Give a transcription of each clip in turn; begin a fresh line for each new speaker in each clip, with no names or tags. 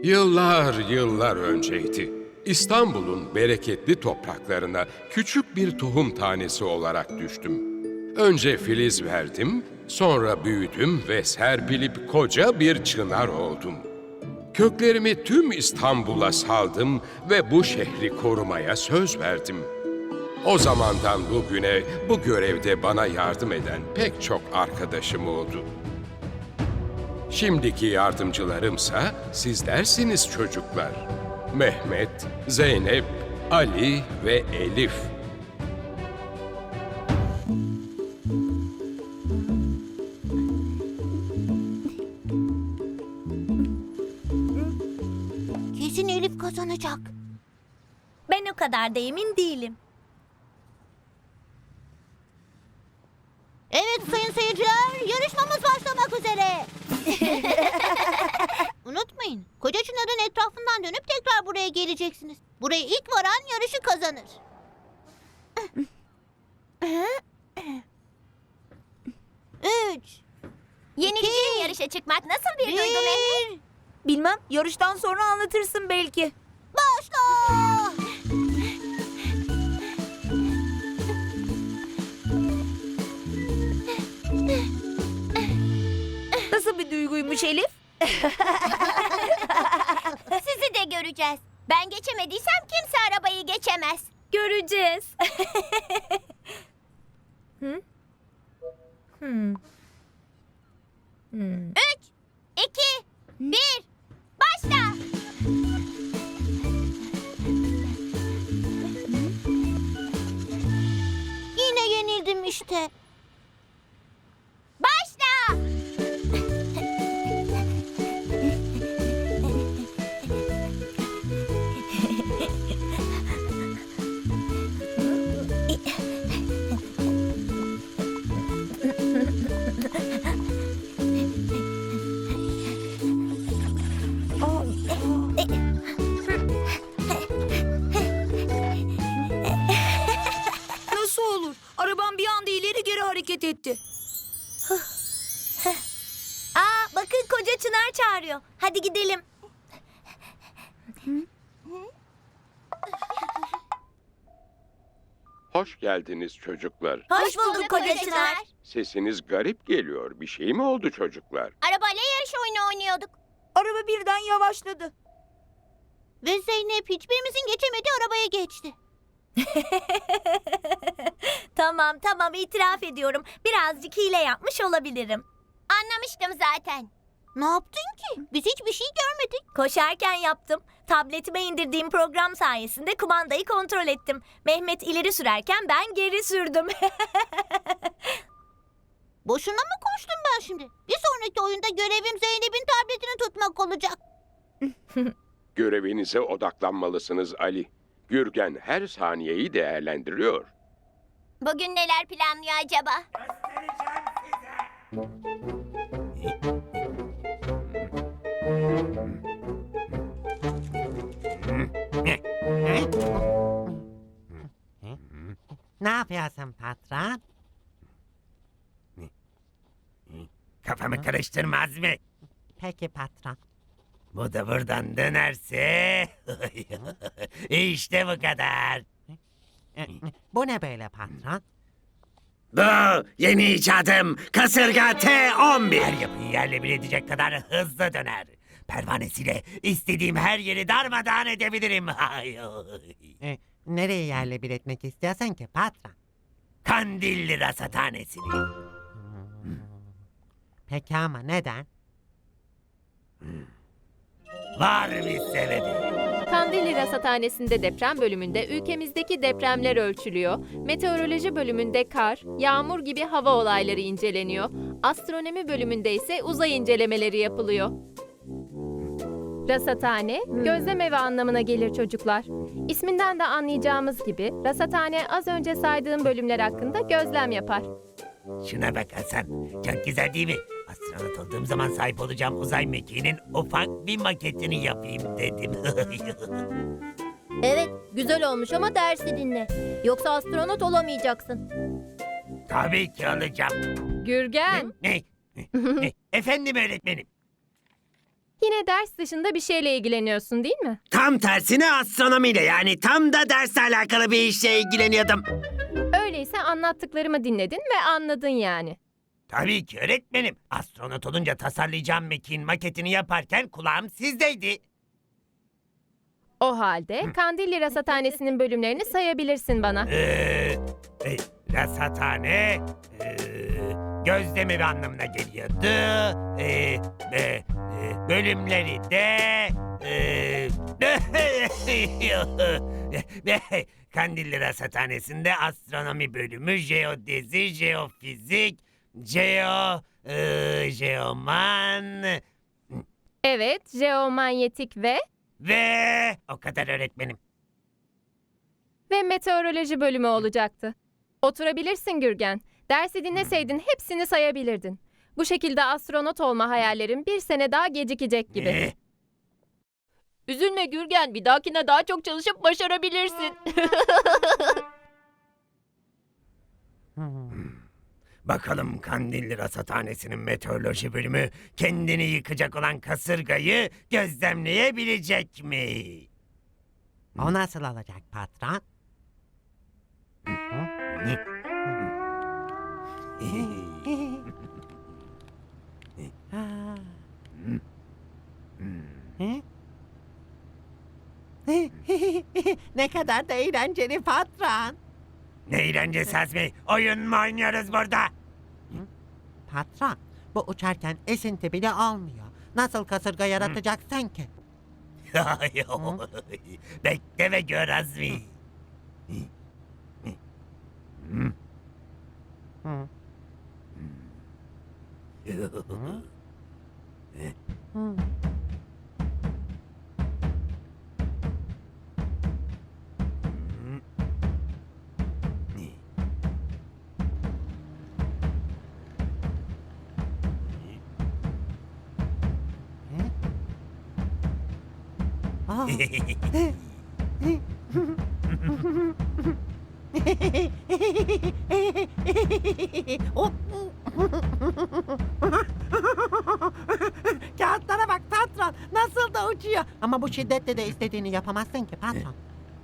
Yıllar yıllar önceydi. İstanbul'un bereketli topraklarına küçük bir tohum tanesi olarak düştüm. Önce filiz verdim, sonra büyüdüm ve serpilip koca bir çınar oldum. Köklerimi tüm İstanbul'a saldım ve bu şehri korumaya söz verdim. O zamandan bugüne bu görevde bana yardım eden pek çok arkadaşım oldu. Şimdiki yardımcılarımsa sizlersiniz çocuklar. Mehmet, Zeynep, Ali ve Elif.
Kesin Elif kazanacak.
Ben o kadar da emin değilim.
Evet sayın seyirciler, yarışmamız başlamak üzere. Unutmayın, Koca Çınar'ın etrafından dönüp tekrar buraya geleceksiniz. Buraya ilk varan yarışı kazanır. Üç,
Yeniliciyle yarışa çıkmak nasıl bir duygu Mehmet?
bir,
Bilmem, yarıştan sonra anlatırsın belki.
başla!
Nasıl bir duyguymuş Elif?
Sizi de göreceğiz. Ben geçemediysem kimse arabayı geçemez. Göreceğiz. Üç, iki, bir, başla.
Yine yenildim işte.
Başla.
Nasıl olur? Arabam bir anda ileri geri hareket etti.
Aa, bakın Koca Çınar çağırıyor. Hadi gidelim.
Hoş geldiniz çocuklar.
Hoş bulduk Koca Çınar.
Sesiniz garip geliyor. Bir şey mi oldu çocuklar?
Arabayla yarış oyunu oynuyorduk.
Araba birden yavaşladı.
Ve Zeynep hiçbirimizin geçemediği arabaya geçti.
Tamam itiraf ediyorum. Birazcık hile yapmış olabilirim. Anlamıştım zaten.
Ne yaptın ki? Biz hiçbir şey görmedik.
Koşarken yaptım. Tabletime indirdiğim program sayesinde kumandayı kontrol ettim. Mehmet ileri sürerken ben geri sürdüm.
Boşuna mı koştum ben şimdi? Bir sonraki oyunda görevim Zeynep'in tabletini tutmak olacak.
Görevinize odaklanmalısınız Ali. Gürgen her saniyeyi değerlendiriyor.
Bugün neler planlıyor acaba?
Ne yapıyorsun patron? Kafamı karıştırmaz mı? Peki patron. Bu da buradan dönerse... işte bu kadar. Bu ne böyle patron? Bu yeni icadım kasırga T11. Her yapıyı yerle bir edecek kadar hızlı döner. Pervanesiyle istediğim her yeri darmadağın edebilirim. Nereye yerle bir etmek istiyorsan ki patron? Kandilli Rasathanesi'ni. Peki ama neden? Var bir sebebi.
Kandilli Rasathanesi'nde deprem bölümünde ülkemizdeki depremler ölçülüyor. Meteoroloji bölümünde kar, yağmur gibi hava olayları inceleniyor. Astronomi bölümünde ise uzay incelemeleri yapılıyor. Rasathane, gözlem evi anlamına gelir çocuklar. İsminden de anlayacağımız gibi rasathane az önce saydığım bölümler hakkında gözlem yapar.
Şuna bak Hasan. Çok güzel değil mi? Astronot olduğum zaman sahip olacağım uzay mekiğinin ufak bir maketini yapayım dedim.
Evet, güzel olmuş ama dersi dinle. Yoksa astronot olamayacaksın.
Tabii ki olacağım.
Gürgen,
Ne? Efendim öğretmenim.
Yine ders dışında bir şeyle ilgileniyorsun değil mi?
Tam tersine astronomiyle, yani tam da dersle alakalı bir işle ilgileniyordum.
Öyleyse anlattıklarımı dinledin ve anladın yani.
Tabii ki öğretmenim. Astronot olunca tasarlayacağım mekiğin maketini yaparken kulağım sizdeydi.
O halde Kandilli Rasathanesi'nin bölümlerini sayabilirsin bana.
Rasathane, gözlemi anlamına geliyordu. Bölümleri de... Kandilli Rasathanesi'nde astronomi bölümü, jeodezi, jeofizik, jeoman
Evet, jeomanyetik
ve o kadar öğretmenim.
ve meteoroloji bölümü olacaktı. Oturabilirsin Gürgen. Dersi dinleseydin hepsini sayabilirdin. Bu şekilde astronot olma hayallerin bir sene daha gecikecek gibi. Üzülme Gürgen, bir dahakine daha çok çalışıp başarabilirsin.
Bakalım Kandilli Rasathanesi'nin meteoroloji bölümü kendini yıkacak olan kasırgayı gözlemleyebilecek mi?
O nasıl olacak patron? Ne kadar da eğlenceli patron.
Ne eğlencesi Azmi? Oyun mu oynuyoruz burada?
Patron, bu uçarken esinti bile olmuyor. Nasıl kasırga yaratacaksın ki?
Bekle ve gör Azmi.
Aa, Kağıtlara bak patron, nasıl da uçuyor. Ama bu şiddetle de istediğini yapamazsın ki patron.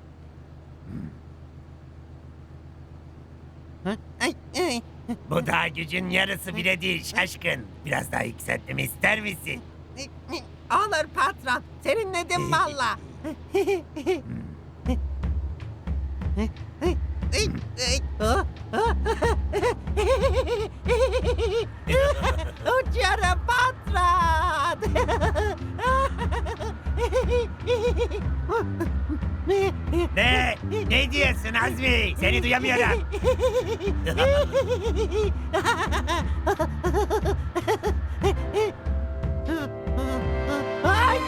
Hı? Ay, ay.
Bu daha gücün yarısı bile değil şaşkın. Biraz daha yükseltmemi ister misin?
Olur patron, serinledim valla. Uçuyorum patron.
Ne? Ne diyorsun Azmi? Seni duyamıyorum.
Ay!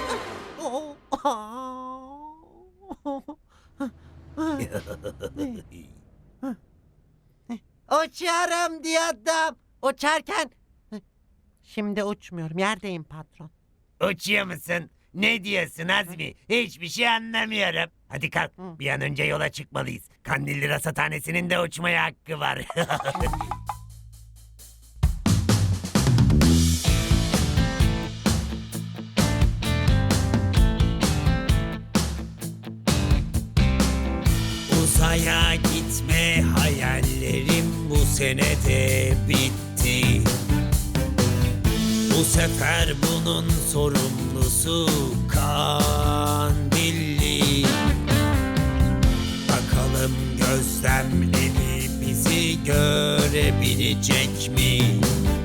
Uçuyorum diyordum. Uçarken... Şimdi uçmuyorum, yerdeyim patron.
Uçuyor musun? Ne diyorsun Azmi? Hiçbir şey anlamıyorum. Hadi kalk, bir an önce yola çıkmalıyız. Kandilli Rasathanesi'nin de uçmaya hakkı var. Uzaya gitme hayallerim bu senede bitti. Bu sefer bunun sorumlusu Kandilli. Bakalım gözlemleri bizi görebilecek mi?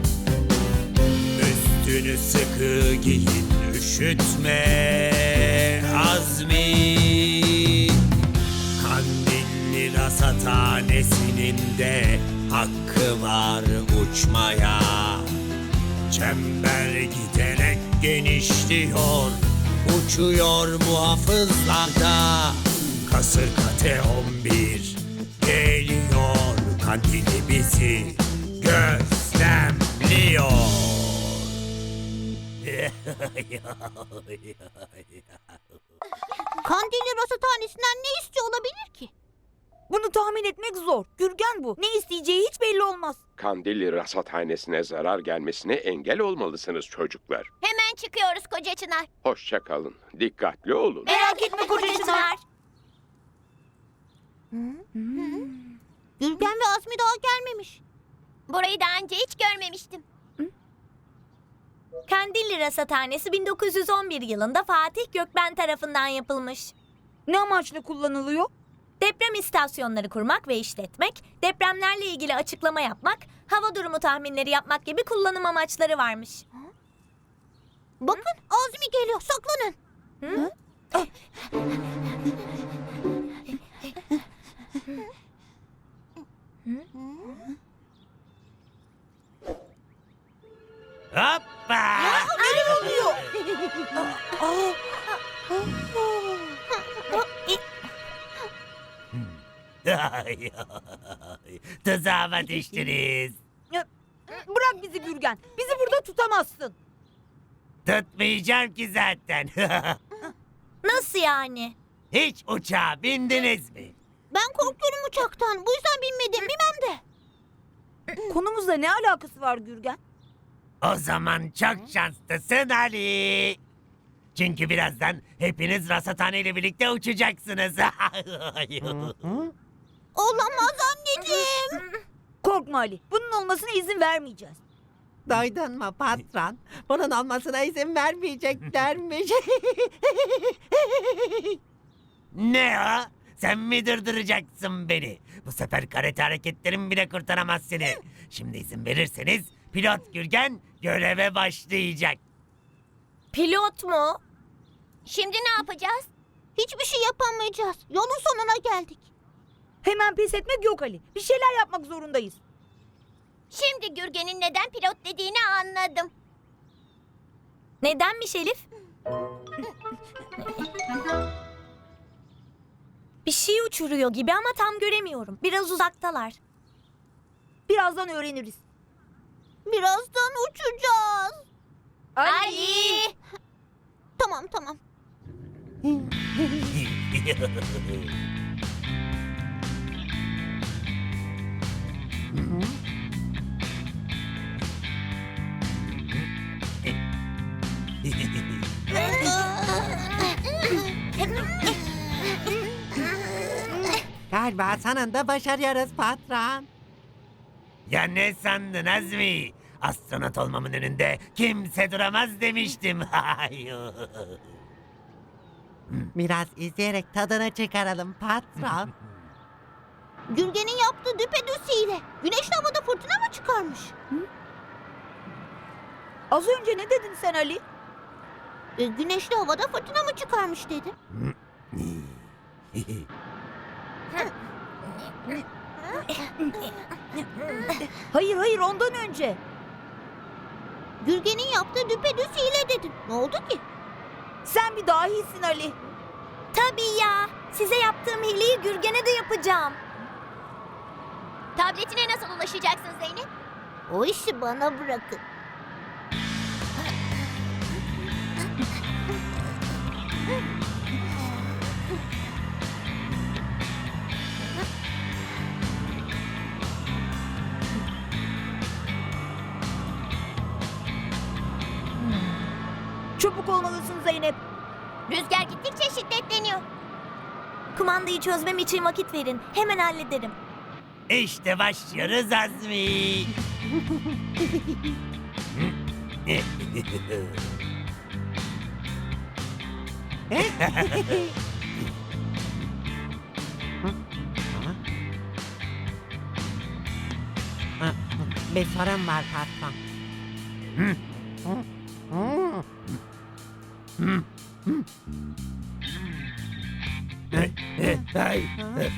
Üstünü sıkı giyin, üşütme Azmi. Kandilli Rasathanesi'nin de hakkı var uçmaya. Çember giderek genişliyor, uçuyor muhafızlarda. Kasırga T11 geliyor, Kandilli bizi gözlemliyor.
Kandilli Rasathanesi'nden ne istiyor olabilir ki?
Bunu tahmin etmek zor. Gürgen bu. Ne isteyeceği hiç belli olmaz.
Kandilli Rasathanesi'ne zarar gelmesine engel olmalısınız çocuklar.
Hemen çıkıyoruz Koca Çınar.
Hoşça kalın. Dikkatli olun.
Merak etme Koca Çınar.
Gürgen ve Azmi daha gelmemiş. Burayı daha önce hiç görmemiştim.
Kandilli Rasathanesi 1911 yılında Fatih Gökben tarafından yapılmış.
Ne amaçla kullanılıyor?
Deprem istasyonları kurmak ve işletmek, depremlerle ilgili açıklama yapmak, hava durumu tahminleri yapmak gibi kullanım amaçları varmış.
Bakın Azmi geliyor, saklanın.
Hoppa! Ay, ay, Tuzağıma düştünüz.
Bırak bizi Gürgen. Bizi burada tutamazsın.
Tutmayacağım ki zaten.
Nasıl yani?
Hiç uçağa bindiniz mi?
Ben korkuyorum uçaktan. Bu yüzden binmedim, bilmem de.
Konumuzla ne alakası var Gürgen?
O zaman çok şanslısın Ali. Çünkü birazdan hepiniz rasathane ile birlikte uçacaksınız.
Olamaz anneciğim.
Korkma Ali. Bunun olmasına izin vermeyeceğiz.
Duydun mu patron? Bunun olmasına izin vermeyeceklermiş.
Ne o? Sen mi durduracaksın beni? Bu sefer karate hareketlerim bile kurtaramaz seni. Şimdi izin verirseniz pilot Gürgen göreve başlayacak.
Pilot mu?
Şimdi ne yapacağız? Hiçbir şey yapamayacağız. Yolun sonuna geldik.
Hemen pes etmek yok Ali. Bir şeyler yapmak zorundayız.
Şimdi Gürgen'in neden pilot dediğini anladım.
Nedenmiş Elif? Bir şey uçuruyor gibi ama tam göremiyorum. Biraz uzaktalar.
Birazdan öğreniriz.
Birazdan uçacağız.
Ali!
Tamam tamam.
Galiba sonunda başarıyoruz patron.
Ya ne sandın Azmi? Astronot olmamın önünde kimse duramaz demiştim.
Biraz izleyerek tadını çıkaralım patron.
Gürgen'in yaptığı düpedüz hile. Güneşli havada fırtına mı çıkarmış?
Az önce ne dedin sen Ali?
Güneşli havada fırtına mı çıkarmış dedim.
Hayır hayır ondan önce.
Gürgen'in yaptığı düpedüz hile dedim. Ne oldu ki?
Sen bir dahisin Ali.
Tabii ya. Size yaptığım hileyi Gürgen'e de yapacağım.
Tabletine nasıl ulaşacaksın Zeynep? O işi bana bırakın.
Çabuk olmalısın Zeynep.
Rüzgar gittikçe şiddetleniyor.
Kumandayı çözmem için vakit verin. Hemen hallederim.
İşte başlıyoruz Azmi.
Bir sorun var patron.
Ay.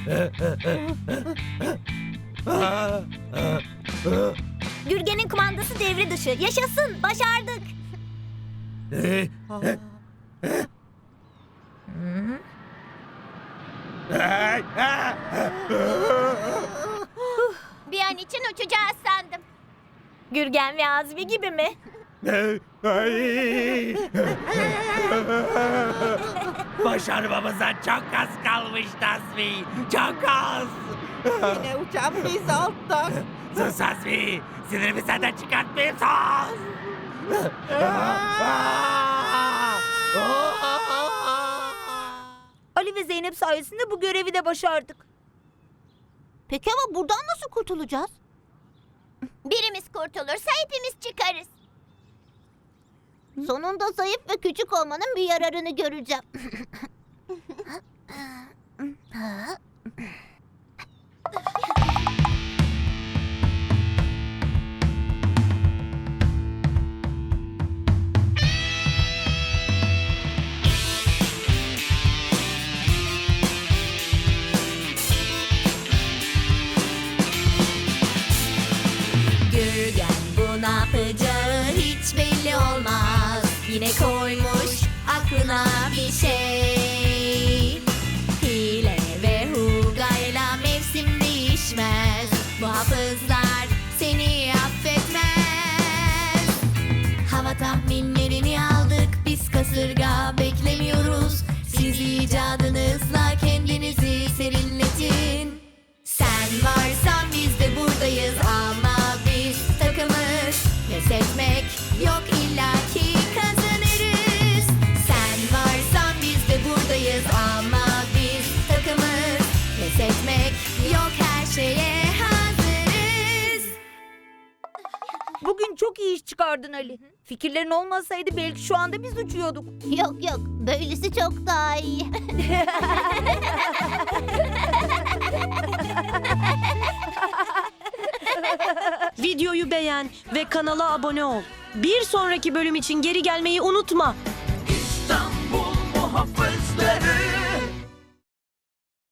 Gürgen'in kumandası devre dışı. Yaşasın. Başardık.
Bir an için uçacağız sandım.
Gürgen ve Azmi gibi mi?
Ay. Başarmamıza çok az kalmıştı Azmi. Çok az.
Yine uçan biz olduk.
Sus Azmi. Sinirimi senden çıkartmayayım sus.
Ali ve Zeynep sayesinde bu görevi de başardık.
Peki ama buradan nasıl kurtulacağız?
Birimiz kurtulursa hepimiz çıkarız.
Sonunda zayıf ve küçük olmanın bir yararını göreceğim.
Gürgen bu ne yapacağı hiç belli olmaz. Yine koymuş aklına bir şey. Hile ve hugayla mevsim değişmez. Bu hafızlar seni affetmez. Hava tahminlerini aldık biz kasırga beklemiyoruz. Siz icadınızla kendinizi serinletin. Sen varsan biz de buradayız ama biz takımız. Pes etmek yok illaki kazanırız. Sen varsan biz de buradayız ama biz takımız. Pes etmek yok her şeye hazırız.
Bugün çok iyi iş çıkardın Ali. Fikirlerin olmasaydı belki şu anda biz uçuyorduk.
Yok yok, böylesi çok daha iyi.
Videoyu beğen ve kanala abone ol. Bir sonraki bölüm için geri gelmeyi unutma.
İstanbul muhafızları